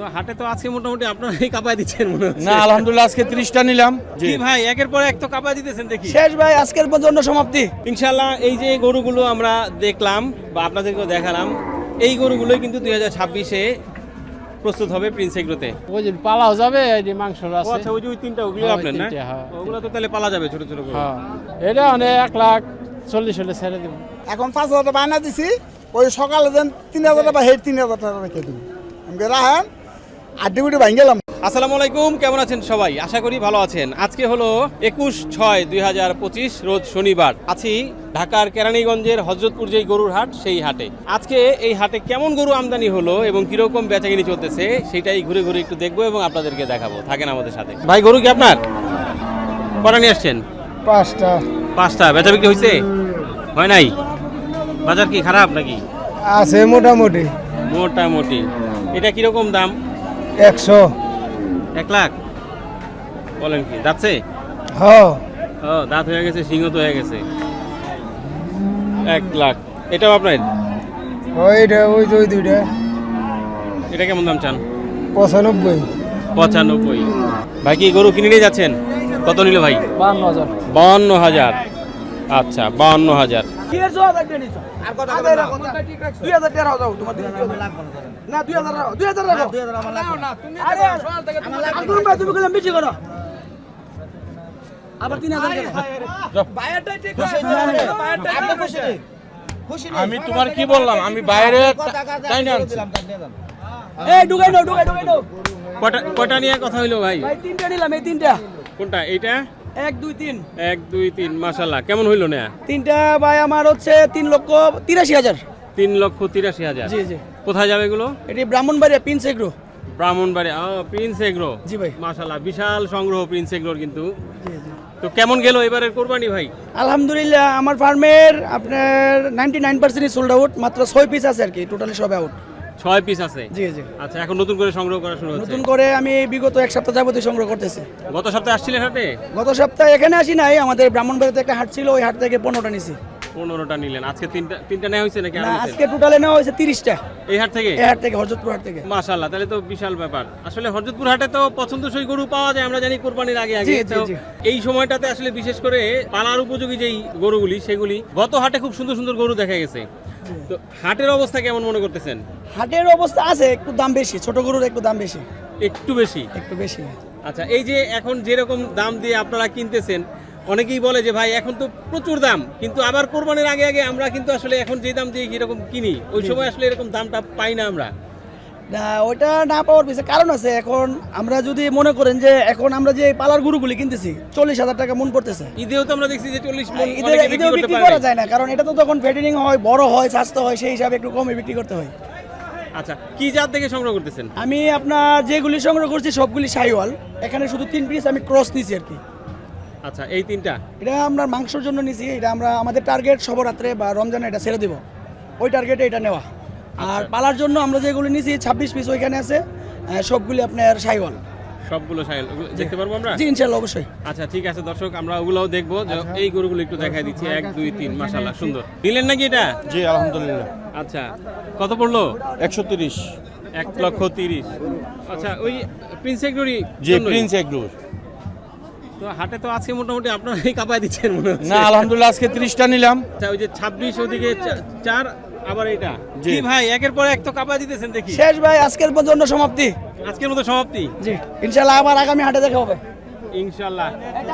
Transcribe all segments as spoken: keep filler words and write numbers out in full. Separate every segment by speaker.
Speaker 1: হাটে তো আজকে মোটামুটি আপনারাই কাপায় দিচ্ছেন মনে হচ্ছে।
Speaker 2: না আলহামদুলিল্লাহ আজকে ত্রিশটা নিলাম।
Speaker 1: জি ভাই, একের পর এক তো কাপায় দিতেছেন দেখি।
Speaker 3: শেষ ভাই, আজকের পর্যন্ত সমাপ্তি
Speaker 1: ইনশাআল্লাহ এই যে গরুগুলো আমরা দেখলাম বা আপনাদেরকেও দেখালাম, এই গরুগুলোই কিন্তু দুই হাজার ছাব্বিশে প্রস্তুত হবে প্রিন্স এগ্রোতে।
Speaker 4: ওই যে পালাও যাবে, এই যে মাংস
Speaker 1: ও
Speaker 4: আছে।
Speaker 1: আচ্ছা, ওই যে ওই তিনটা ওগুলো
Speaker 4: হ্যাঁ,
Speaker 1: আপনার না?
Speaker 4: তিনটে, হ্যাঁ।
Speaker 1: ওগুলো তো তাহলে পালা যাবে ছোট ছোট করে।
Speaker 4: হ্যাঁ, এটা মানে এক লাখ চল্লিশ হলে ছেড়ে দেবো।
Speaker 3: এখন পাঁচ হাজার টাকা বায়না দিছি, ওই সকালে যেন তিন হাজার টাকা হেড তিন হাজার টাকা রেখে দিন আমাকে রাহেন আড্ডি গুটি ভাঙ গেলাম।
Speaker 1: আসসালামু আলাইকুম, কেমন আছেন সবাই? আশা করি ভালো আছেন। আজকে হলো একুশ ছয় দুই হাজার পঁচিশ রোজ শনিবার। আছি ঢাকার কেরানীগঞ্জের হযরতপুর যেই গরুর হাট, সেই হাটে। আজকে এই হাটে কেমন গরু আমদানি হলো এবং কিরকম বেচাকিনি চলতেছে সেটাই ঘুরে ঘুরে একটু দেখবো এবং আপনাদেরকে দেখাবো। থাকেন আমাদের সাথে। ভাই, গরু কি আপনার? কটা নিয়ে আসছেন?
Speaker 3: পাঁচটা
Speaker 1: পাঁচটা। বেচা বিক্রি হয়েছে? হয় নাই? বাজার কি খারাপ নাকি?
Speaker 3: আছে মোটামুটি
Speaker 1: মোটামুটি। এটা কিরকম দাম?
Speaker 3: একশো।
Speaker 1: এক লাখ বলেন কি? দাঁতছে?
Speaker 3: হ্যাঁ
Speaker 1: ও, দাঁত হয়ে গেছে, সিংহ তো হয়ে গেছে। এক লাখ। এটাও আপনার?
Speaker 3: ওইটা ওই যে ওই দুইটা
Speaker 1: এটা কেমন দাম চান?
Speaker 3: পঁচানব্বই।
Speaker 1: পঁচানব্বই। ভাই কি গরু কিনে নিয়ে যাচ্ছেন? কত নিল ভাই?
Speaker 4: বান্ন হাজার।
Speaker 1: বাউন্ন হাজার। আচ্ছা, বাউন্ন হাজার।
Speaker 2: আমি তোমার কি বললাম, আমি বাইরে তাই না
Speaker 1: কটা কটা নিয়ে কথা হইলো ভাই?
Speaker 3: তিনটা নিলাম, এই তিনটা।
Speaker 1: কোনটা? এইটা?
Speaker 3: এক দুই তিন।
Speaker 1: এক দুই তিন। মাশাআল্লাহ। কেমন হইলো না?
Speaker 3: তিনটা ভাই আমার হচ্ছে তিন লক্ষ তিরাশি হাজার।
Speaker 1: তিন লক্ষ তিরাশি হাজার।
Speaker 3: জি জি।
Speaker 1: কোথায় যাবে এগুলো?
Speaker 3: এটি ব্রাহ্মণবাড়িয়া প্রিন্স এগ্রো।
Speaker 1: ব্রাহ্মণবাড়িয়া। ও, প্রিন্স এগ্রো।
Speaker 3: জি ভাই।
Speaker 1: মাশাআল্লাহ, বিশাল সংগ্রহ প্রিন্স এগ্রোর কিন্তু। তো কেমন গেল এবারের কোরবানি ভাই?
Speaker 3: আলহামদুলিল্লাহ আমার ফার্মের আপনার ninety nine percent sold out, মাত্র ছয় পিস আছে আর কি, টোটালি সব আউট।
Speaker 1: ছয় পিস আছে?
Speaker 3: জি জি।
Speaker 1: আচ্ছা, এখন নতুন করে সংগ্রহ করা শুরু হচ্ছে?
Speaker 3: নতুন করে আমি বিগত এক সপ্তাহ যাবতীয় সংগ্রহ করতেছি।
Speaker 1: গত সপ্তাহে আসছিলেন হাটে?
Speaker 3: গত সপ্তাহে এখানে আসি নাই, আমাদের ব্রাহ্মণবাড়িতে একটা হাট ছিল, ওই হাট থেকে পনেরোটা নিছি।
Speaker 1: পনেরোটা নিলেন। আজকে তিনটা তিনটা নেওয়া হয়েছে নাকি?
Speaker 3: না, আজকে টোটালে নেওয়া হয়েছে তিরিশটা
Speaker 1: এই হাট থেকে?
Speaker 3: এই হাট থেকে, হযরতপুর হাট থেকে।
Speaker 1: মাশাআল্লাহ, তাহলে তো বিশাল ব্যাপার। আসলে হযরতপুর হাটে তো পছন্দসই গরু পাওয়া যায়, আমরা জানি কোরবানির আগে আগে।
Speaker 3: জি, জি,
Speaker 1: তো
Speaker 3: জি।
Speaker 1: এই সময়টাতে আসলে বিশেষ করে পালার উপযোগী যেই গরুগুলি, সেগুলি গত হাটে খুব সুন্দর সুন্দর গরু দেখা গেছে। তো হাটের অবস্থা কেমন মনে করতেছেন?
Speaker 3: হাটের অবস্থা আছে, একটু দাম বেশি, ছোট গরুর একটু দাম বেশি।
Speaker 1: একটু বেশি?
Speaker 3: একটু বেশি।
Speaker 1: আচ্ছা, এই যে এখন যেরকম দাম দিয়ে আপনারা কিনতেছেন, অনেকেই বলে যে ভাই এখন তো প্রচুর দাম, কিন্তু আবার কোরবানির আগে আগে আমরা কিন্তু আসলে এখন যে দাম দিয়ে কিরকম কিনি, ওই সময় আসলে এরকম দামটা পাই না আমরা।
Speaker 3: না, ওইটা না পাওয়ার পিছনে কারণ আছে। এখন আমরা যদি মনে করেন যে এখন আমরা যে পালার গরুগুলি কিনতেছি চল্লিশ হাজার টাকা মন পড়তেছে।
Speaker 1: ঈদেও তো আমরা দেখছি যে চল্লিশ মণ
Speaker 3: ঈদে
Speaker 1: অনেকে বিক্রি
Speaker 3: ঈদেও
Speaker 1: করতে
Speaker 3: বিক্রি
Speaker 1: পারে
Speaker 3: করা
Speaker 1: না।
Speaker 3: যায় না, কারণ এটা তো তখন ফ্যাটেনিং হয়, বড় হয়, স্বাস্থ্য হয়, সেই হিসাবে একটু কমে বিক্রি করতে হয়।
Speaker 1: আচ্ছা, কি জাত থেকে সংগ্রহ করতেছেন?
Speaker 3: আমি আপনার যেগুলি সংগ্রহ করছি সবগুলি শাহিওয়াল, এখানে শুধু তিন পিস আমি ক্রস নিছি আর কি।
Speaker 1: আচ্ছা, এই তিনটা
Speaker 3: এটা আমরা মাংসের জন্য নিছি, এটা আমরা আমাদের টার্গেট সবরাত্রে বা রমজানে এটা ছেড়ে দিব, ওই টার্গেটে এটা নেওয়া। আর পালার জন্য আমরা যেগুলি নিছি ছাব্বিশ পিস ওইখানে আছে, আহ, সবগুলি আপনার শাহিওয়াল।
Speaker 1: সবগুলো সাইল দেখতে পারবো আমরা?
Speaker 3: জি ইনশাআল্লাহ, অবশ্যই।
Speaker 1: আচ্ছা, ঠিক আছে দর্শক, আমরা ওগুলোও দেখবো। যে এই গরুগুলো একটু দেখাই দিচ্ছি। এক দুই তিন। মাশাআল্লাহ, সুন্দর। নিলেন নাকি এটা?
Speaker 2: জি আলহামদুলিল্লাহ।
Speaker 1: আচ্ছা, কত পড়লো?
Speaker 2: একশো তিরিশ।
Speaker 1: এক লক্ষ তিরিশ। আচ্ছা, ওই প্রিন্স এগ্রোরই
Speaker 2: জি
Speaker 1: জন্যই?
Speaker 2: প্রিন্স এগ্রোর।
Speaker 1: তো হাটে তো আজকে মোটামুটি আপনারাই কাপায় দিচ্ছেন মনে হচ্ছে।
Speaker 2: না আলহামদুলিল্লাহ আজকে ত্রিশটা নিলাম।
Speaker 1: আচ্ছা, ওই যে ছাব্বিশ ওদিকে চা- চার, আবার এটা।
Speaker 2: জি।
Speaker 1: কি ভাই, একের পর এক তো কাপায় দিতেছেন দেখি।
Speaker 3: শেষ ভাই, আজকের পর্যন্ত সমাপ্তি।
Speaker 1: আজকের মতো সমাপ্তি?
Speaker 3: জি ইনশাআল্লাহ, আবার আগামী হাটে দেখা হবে
Speaker 1: ইনশাআল্লাহ।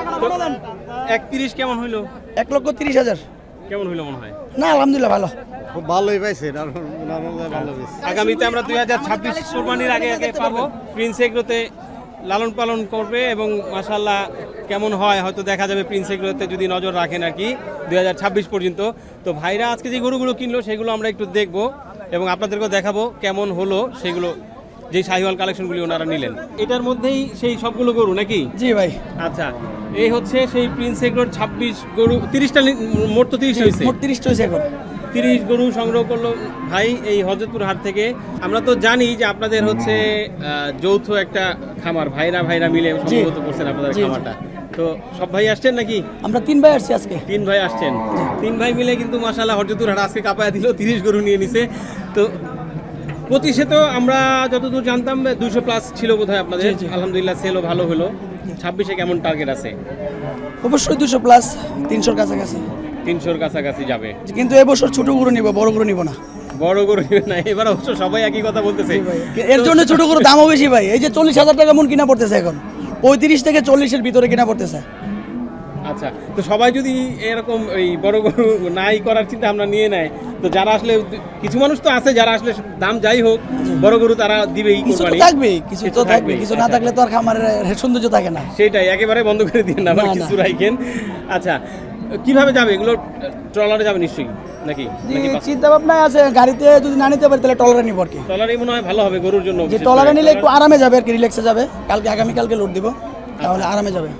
Speaker 1: একত্রিশ কেমন হইলো?
Speaker 3: এক লক্ষ তিরিশ হাজার।
Speaker 1: কেমন হইলো মনে হয়?
Speaker 3: না আলহামদুলিল্লাহ ভালো।
Speaker 5: খুব ভালোই পাইছে, ভালো পাইছে।
Speaker 1: আগামীতে আমরা দুই হাজার ছাব্বিশ কোরবানির আগে আগে পাবো। প্রিন্স এগ্রোতে লালন পালন করবে এবং মাশাআল্লাহ কেমন হয় হয়তো দেখা যাবে প্রিন্স এগ্রোতে যদি নজর রাখেন আর কি দুই হাজার ছাব্বিশ পর্যন্ত। তো ভাইরা আজকে যে গরুগুলো কিনলো সেগুলো আমরা একটু দেখবো এবং আপনাদেরকেও দেখাবো কেমন হলো সেগুলো, যে শাহিওয়াল কালেকশনগুলি ওনারা নিলেন। এটার মধ্যেই সেই সবগুলো গরু নাকি?
Speaker 3: জি ভাই।
Speaker 1: আচ্ছা, এই হচ্ছে সেই প্রিন্স এগ্রোর ছাব্বিশ গরু। তিরিশটা মোট তো তিরিশ হয়েছে?
Speaker 3: মোট তিরিশটা হয়েছে এখন।
Speaker 1: তিরিশ গরু সংগ্রহ করলো ভাই এই হযরতপুর হাট থেকে। আমরা তো জানি যে আপনাদের হচ্ছে আহ, যৌথ একটা খামার, ভাইরা ভাইরা মিলে সম্ভবত করছেন আপনাদের
Speaker 3: জি, জি।
Speaker 1: খামারটা। তো সব ভাই আসছেন নাকি?
Speaker 3: আমরা তিন ভাই আসছি আজকে।
Speaker 1: তিন ভাই আসছেন। তিন ভাই মিলে কিন্তু মাশাআল্লাহ হযরতপুর হাট আজকে কাপায়া দিল, তিরিশ গরু নিয়ে নিছে। তো পঁচিশে তো আমরা যতদূর জানতাম দুইশো প্লাস ছিল বোধহয় আপনাদের,
Speaker 3: জি, জি।
Speaker 1: আলহামদুলিল্লাহ সেলও ভালো হলো। ছাব্বিশে কেমন টার্গেট আছে?
Speaker 3: অবশ্যই দুশো প্লাস, তিনশোর কাছাকাছি।
Speaker 1: তিনশোর কাছাকাছি যাবে,
Speaker 3: কিন্তু এবছর ছোট গরু নিব, বড় গরু নিব না।
Speaker 1: বড় গরু নেবে না এবার, অবশ্য সবাই একই কথা বলতেছে।
Speaker 3: এর জন্য ছোট গরু দামও বেশি ভাই। এই যে চল্লিশ হাজার টাকা মন কিনা পড়তেছে এখন, পঁয়ত্রিশ থেকে চল্লিশের ভিতরে কিনা পড়তেছে।
Speaker 1: আচ্ছা, তো সবাই যদি এরকম এই বড় গরু নাই করার চিন্তা আমরা নিয়ে নেয়, তো যারা আসলে কিছু মানুষ তো আছে যারা আসলে দাম যাই হোক বড় গরু তারা দিবেই
Speaker 3: কিছু তো
Speaker 1: কোরবানি।
Speaker 3: থাকবেই, কিছু তো থাকবে, কিছু না
Speaker 1: আচ্ছা।
Speaker 3: থাকলে তো আর খামারের সৌন্দর্য থাকে না।
Speaker 1: সেটাই একেবারে বন্ধ করে দিয়ে না, আবার
Speaker 3: না, না।
Speaker 1: কিছু রাখেন। আচ্ছা, কিভাবে যাবে এগুলো? ট্রলারে যাবে নিশ্চয়ই নাকি? নাকি বাস?
Speaker 3: চিন্তা ভাবনা আছে, গাড়িতে যদি না নিতে পারি তাহলে টলারে নিব আর কি।
Speaker 1: ট্রলারে মনে হয় ভালো হবে গরুর জন্য,
Speaker 3: যে
Speaker 1: বিশেষ
Speaker 3: টলারে
Speaker 1: করে।
Speaker 3: নিলে একটু আরামে যাবে আর কি, রিল্যাক্সে যাবে। কালকে আগামীকালকে লোড দিব, তাহলে আরামে যাবে।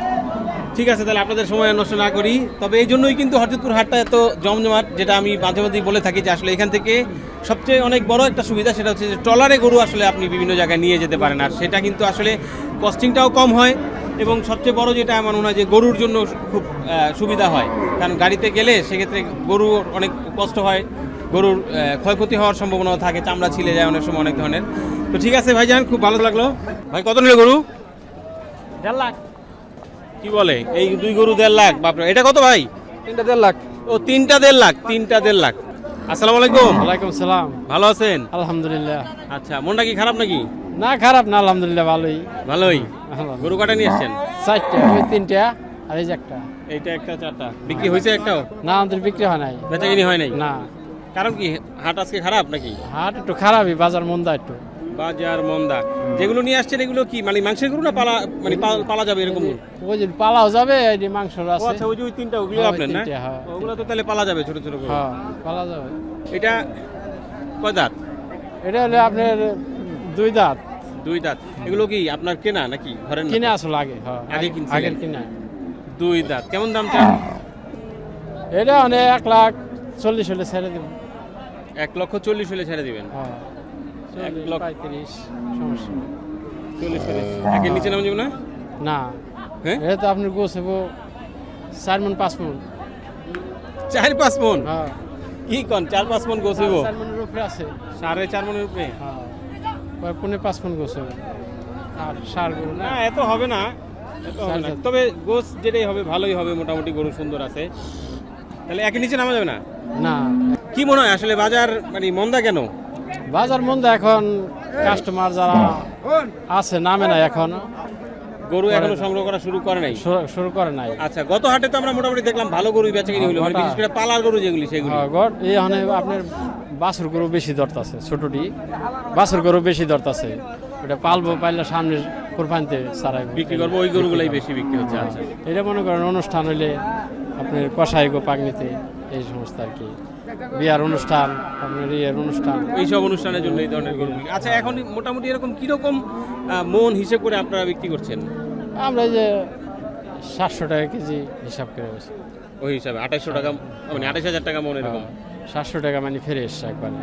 Speaker 1: ঠিক আছে, তাহলে আপনাদের সময় নষ্ট না করি। তবে এই জন্যই কিন্তু হরজতপুর হাটটা এত জমজমাট, যেটা আমি মাঝে মাঝেই বলে থাকি যে আসলে এখান থেকে সবচেয়ে অনেক বড় একটা সুবিধা সেটা হচ্ছে যে ট্রলারে গরু আসলে আপনি বিভিন্ন জায়গায় নিয়ে যেতে পারেন, আর সেটা কিন্তু আসলে কস্টিংটাও কম হয়, এবং সবচেয়ে বড় যেটা আমার মনে হয় যে গরুর জন্য খুব আহ, সুবিধা হয়। কারণ গাড়িতে গেলে সেক্ষেত্রে গরুর অনেক কষ্ট হয়, গরুর আহ, ক্ষয়ক্ষতি হওয়ার সম্ভাবনাও থাকে, চামড়া ছিলে যায় অনেক সময় অনেক ধরনের। তো ঠিক আছে ভাইজান, খুব ভালো লাগলো। ভাই কত নিল গরু?
Speaker 4: দেড় লাখ।
Speaker 1: কি বলে এই দুই গরু দেড় লাখ? বাপরে, এটা কত ভাই?
Speaker 4: তিনটা দেড় লাখ।
Speaker 1: ও তিনটা দেড় লাখ, তিনটা দেড় লাখ। আসসালামু আলাইকুম,
Speaker 4: ওয়ালাইকুম সালাম।
Speaker 1: ভালো আছেন?
Speaker 4: আলহামদুলিল্লাহ।
Speaker 1: আচ্ছা, মনটা কি খারাপ নাকি?
Speaker 4: না খারাপ না, আলহামদুলিল্লাহ ভালোই।
Speaker 1: ভালোই।
Speaker 4: আলহামদুলিল্লাহ।
Speaker 1: গরু কাটা নিয়ে এসছেন?
Speaker 4: চারটা, ওই তিনটা আর এই যে একটা।
Speaker 1: এইটা একটা, চারটা বিক্রি হয়েছে একটাও?
Speaker 4: না আমাদের বিক্রি হয় নাই।
Speaker 1: বেচাকিনি হয় নাই?
Speaker 4: না,
Speaker 1: কারণ কি হাট আজকে খারাপ নাকি?
Speaker 4: হাট একটু খারাপই, বাজার মন্দা একটু।
Speaker 1: বাজার মন্দা। যেগুলো নিয়ে আসছেন এগুলো কি মানে মাংসের গরু না পালা, মানে পাল- পালা যাবে এরকম গরু?
Speaker 4: ওই যে পালাও যাবে, এই যে মাংস
Speaker 1: ও
Speaker 4: আছে।
Speaker 1: আচ্ছা, ওই যে ওই তিনটা ওগুলো
Speaker 4: হ্যাঁ, ওই
Speaker 1: আপনার না?
Speaker 4: তিনটা, হ্যাঁ।
Speaker 1: ওগুলো তো তাহলে পালা যাবে ছোট ছোট গরু।
Speaker 4: হ্যাঁ, পালা যাবে।
Speaker 1: এটা কয় দাঁত?
Speaker 4: এটা হলে আপনার দুই দাঁত।
Speaker 1: দুই দাঁত। এগুলো কি আপনার কেনা নাকি ঘরের?
Speaker 4: কিনে আসলো আগে। হ্যাঁ,
Speaker 1: আগে কিনছিলেন?
Speaker 4: আগের কিনা।
Speaker 1: দুই দাঁত। কেমন দাম চান?
Speaker 4: এটা মানে এক লাখ চল্লিশ হলে ছেড়ে দেব।
Speaker 1: এক লক্ষ চল্লিশ হলে ছেড়ে দিবেন?
Speaker 4: হ্যাঁ,
Speaker 1: এক
Speaker 4: চল্লিশ,
Speaker 1: লক্ষ-
Speaker 4: পঁয়ত্রিশ, সমস্যা নেই।
Speaker 1: চল্লিশ চল্লিশ একের নিচে নাম যাবো না?
Speaker 4: না,
Speaker 1: হ্যাঁ,
Speaker 4: এটা তো আপনার গোছ হবো চার মন পাঁচ মন।
Speaker 1: চার পাঁচ মন?
Speaker 4: হ্যাঁ,
Speaker 1: কি কন, চার পাঁচ মন গোছাবো?
Speaker 4: চার মনের উপরে আছে।
Speaker 1: সাড়ে চার মনের উপরে?
Speaker 4: হ্যাঁ, ওই পৌনে পাঁচ মন গোছ হবে। আর সার গরু না।
Speaker 1: না, এত হবে না, এত হবে না।
Speaker 4: চার-
Speaker 1: তবে গোছ যেটাই হবে ভালোই হবে, মোটামুটি গরু সুন্দর আছে। তাহলে একের নিচে নামা যাবে না?
Speaker 4: না,
Speaker 1: কি মনে হয় আসলে বাজার মানে মন্দা কেন?
Speaker 4: বাজার মন্দা এখন, কাস্টমার যারা আছে নামে না এখন,
Speaker 1: গরু এখনো সংগ্রহ করা শুরু করে নাই?
Speaker 4: শুরু- শুরু করে নাই।
Speaker 1: আচ্ছা, গত হাটে তো আমরা মোটামুটি দেখলাম ভালো গরু বেচাকিনি হলো, মানে
Speaker 4: গোটা-
Speaker 1: বিশেষ করে পালার গরু যেগুলি সেগুলি।
Speaker 4: হ্যাঁ, গড় এই মানে আপনার বাছুর গরু বেশি দরতাছে, ছোটটি বাছুর গরু বেশি দরতাছে। ওটা পালবো, পাইলে সামনে কোরবানিতে সারাই
Speaker 1: বিক্রি করবো, ওই গরুগুলাই বেশি বিক্রি হচ্ছে। আচ্ছা,
Speaker 4: এটা মনে করেন অনুষ্ঠান হইলে আপনার কষাই গো পাগনিতে এই সমস্ত আর কি, বিয়ার অনুষ্ঠান, আপনার ইয়ের অনুষ্ঠান।
Speaker 1: এইসব অনুষ্ঠানের জন্য এই ধরনের গরু বিক্রি। আচ্ছা, এখন মোটামুটি এরকম কিরকম আহ, মন হিসেব করে আপনারা বিক্রি করছেন?
Speaker 4: আমরা এই যে সাতশো টাকা কেজি হিসাব করে বসি।
Speaker 1: ওই হিসাবে আঠাশশো টাকা, মানে আঠাশ হাজার টাকা মন এরকম।
Speaker 4: সাতশো টাকা মানে ফ্রেশ একবারে।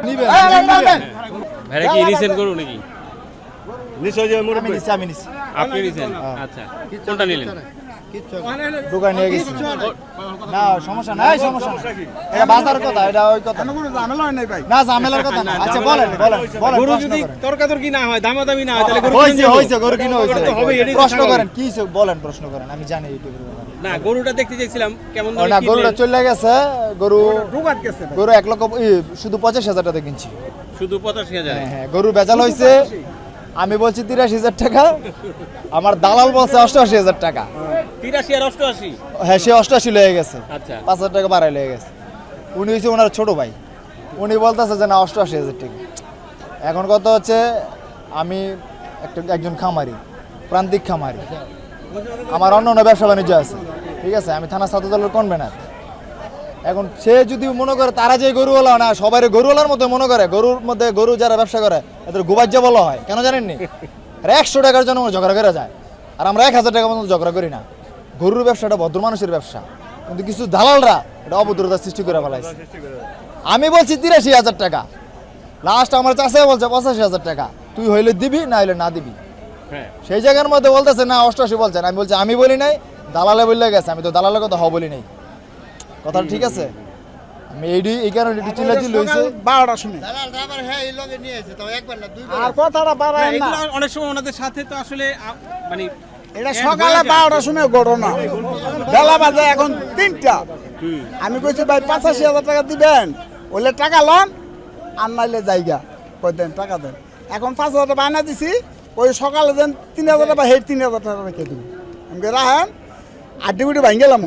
Speaker 1: ভাইরা কি নিছেন গরু নাকি?
Speaker 5: আমি নিছি, আমি নিছি।
Speaker 1: আপনি নিছেন? আচ্ছা, কোনটা নিলেন?
Speaker 5: দোকানে নিয়ে গেছি। না সমস্যা নাই, সমস্যা নাই। এটা বাজার কথা, এটা ওই কথা। না ঝামেলার কথা না। আচ্ছা বলেন, বলেন, বলেন।
Speaker 1: গরু
Speaker 5: প্রশ্ন
Speaker 1: যদি
Speaker 5: করেন।
Speaker 1: তর্কাতর্কি না হয়, দামাদামি না হয়, তাহলে গরু
Speaker 5: হইছে,
Speaker 1: কিনে নেবো।
Speaker 5: হইছে, গরু কিনে হইছে।
Speaker 1: গরু তো হবেই, এটাই তো
Speaker 5: প্রশ্ন
Speaker 1: স্বাভাবিক।
Speaker 5: করেন, কি হইছে? বলেন, প্রশ্ন করেন। আমি জানি ইউটিউবের ব্যাপারে।
Speaker 1: না, গরুটা দেখতে চাইছিলাম কেমন
Speaker 5: ও
Speaker 1: দামে
Speaker 5: না,
Speaker 1: কিনলেন?
Speaker 5: গরুটা চলে গেছে। গরু গরু এক লক্ষ ই, শুধু পঁচাশি হাজার টাকা কিনছি।
Speaker 1: শুধু পঁচাশি হাজার?
Speaker 5: হ্যাঁ হ্যাঁ, গরু বেচাল হয়েছে। আমি বলছি তিরাশি হাজার টাকা, আমার দালাল বলছে অষ্টআশি হাজার টাকা।
Speaker 1: তিরাশি আর অষ্টআশি?
Speaker 5: হ্যাঁ, সে অষ্টআশি লয়ে গেছে,
Speaker 1: আচ্ছা,
Speaker 5: পাঁচ হাজার টাকা বাড়াই লয়ে গেছে। উনি হয়েছে ওনার ছোট ভাই, উনি বলতেছে যে না অষ্টআশি হাজার টাকা। এখন কথা হচ্ছে আমি একটা একজন খামারি, প্রান্তিক খামারি, আমার অন্য অন্য ব্যবসা বাণিজ্য আছে, ঠিক আছে, আমি থানা ছাত্র দলের কনভেনার। এখন সে যদি মনে করে তারা যে গরুওয়ালা না, সবাই গরুওয়ালার মতো মনে করে, গরুর মধ্যে গরু যারা ব্যবসা করে এদের গোবাজ্য বলা হয়, কেন জানেননি? একশো টাকার জন্য ঝগড়া করে যায়, আর আমরা এক হাজার টাকার মতো ঝগড়া করি না। গরুর ব্যবসাটা ভদ্র মানুষের ব্যবসা, কিন্তু কিছু দালালরা এটা অভদ্রতার সৃষ্টি করে ফেলাইছে। আমি বলছি তিরাশি হাজার টাকা, লাস্ট আমার চাষা বলছে পঁচাশি হাজার টাকা, তুই হইলে দিবি না হইলে না দিবি।
Speaker 1: হ্যাঁ,
Speaker 5: সেই জায়গার মধ্যে বলতেছে না অষ্টআশি বলছেন, আমি বলছি আমি বলি নাই, দালালে বললে গেছে, আমি তো দালালের কথা হ বলি নাই। কথাটা ঠিক আছে? আমি এই এই কারণে একটু চিল্লাচিল্লি হয়েছে।
Speaker 6: বারোটা শুনে আর কথাটা বাড়ায় না,
Speaker 1: এগুলো অনেক সময় ওনাদের সাথে তো আসলে আ- মানে
Speaker 6: এটা
Speaker 1: এক
Speaker 6: সকালে
Speaker 1: হয়ে যায়।
Speaker 6: বারোটার সময় ঘটনা, বেলা বাজে এখন তিনটা। আমি কইছি ভাই পঁচাশি হাজার টাকা দিবেন, ওইলে টাকা লন আর নাইলে জায়গা কই দেন টাকা দেন। এখন পাঁচ হাজার টাকা বায়না দিছি, ওই সকালে দেন তিন হাজার টাকা হেড তিন হাজার টাকা রেখে দিব। আমি কই রাহেন আড্ডি গুটি ভাঙ গেলাম।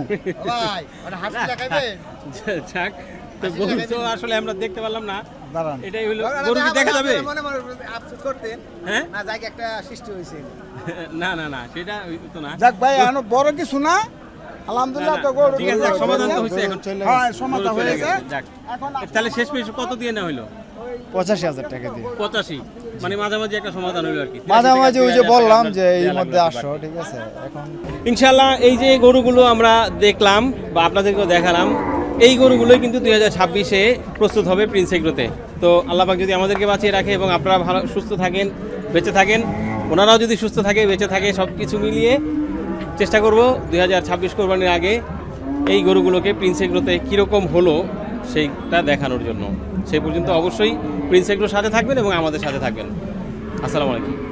Speaker 1: যাক, তো গরু তো আসলে আমরা দেখতে পারলাম না,
Speaker 6: দাঁড়ান
Speaker 1: এটাই হলো গরু কি দেখা যাবে? হ্যাঁ
Speaker 7: না জায়গা একটা সৃষ্টি হয়েছে।
Speaker 1: না না না সেটা তো না।
Speaker 6: যাক ভাই এখন বড় কিছু না, আলহামদুলিল্লাহ তো গরু
Speaker 1: ঠিক আছে, যাক, সমাধান তো হয়েছে এখন।
Speaker 6: হ্যাঁ সমাধান
Speaker 1: গরু চলে
Speaker 6: হয়েছে।
Speaker 1: গেছে, যাক। তাহলে শেষ পেশ কত দিয়ে না হইলো?
Speaker 5: পঁচাশি হাজার টাকা দিয়ে
Speaker 1: পঁচাশি, মানে মাঝামাঝি একটা সমাধান হইলো আর কি।
Speaker 5: মাঝামাঝি ওই যে বললাম যে এই
Speaker 1: দেয়া লাগবে
Speaker 5: মধ্যে
Speaker 1: বাকি।
Speaker 5: আসো, ঠিক আছে। এখন
Speaker 1: ইনশাল্লাহ এই যে গরুগুলো আমরা দেখলাম বা আপনাদেরকেও দেখালাম, এই গরুগুলোই কিন্তু দুই হাজার ছাব্বিশে প্রস্তুত হবে প্রিন্স এগ্রোতে। তো আল্লাহ পাক যদি আমাদেরকে বাঁচিয়ে রাখে এবং আপনারা ভালো সুস্থ থাকেন, বেঁচে থাকেন, ওনারাও যদি সুস্থ থাকে, বেঁচে থাকে, সব কিছু মিলিয়ে চেষ্টা করব দুই হাজার ছাব্বিশ কোরবানির আগে এই গরুগুলোকে প্রিন্স এগ্রোতে কীরকম হলো সেইটা দেখানোর জন্য। সেই পর্যন্ত অবশ্যই প্রিন্স এগ্রোর সাথে থাকবেন এবং আমাদের সাথে থাকবেন। আসসালামু আলাইকুম।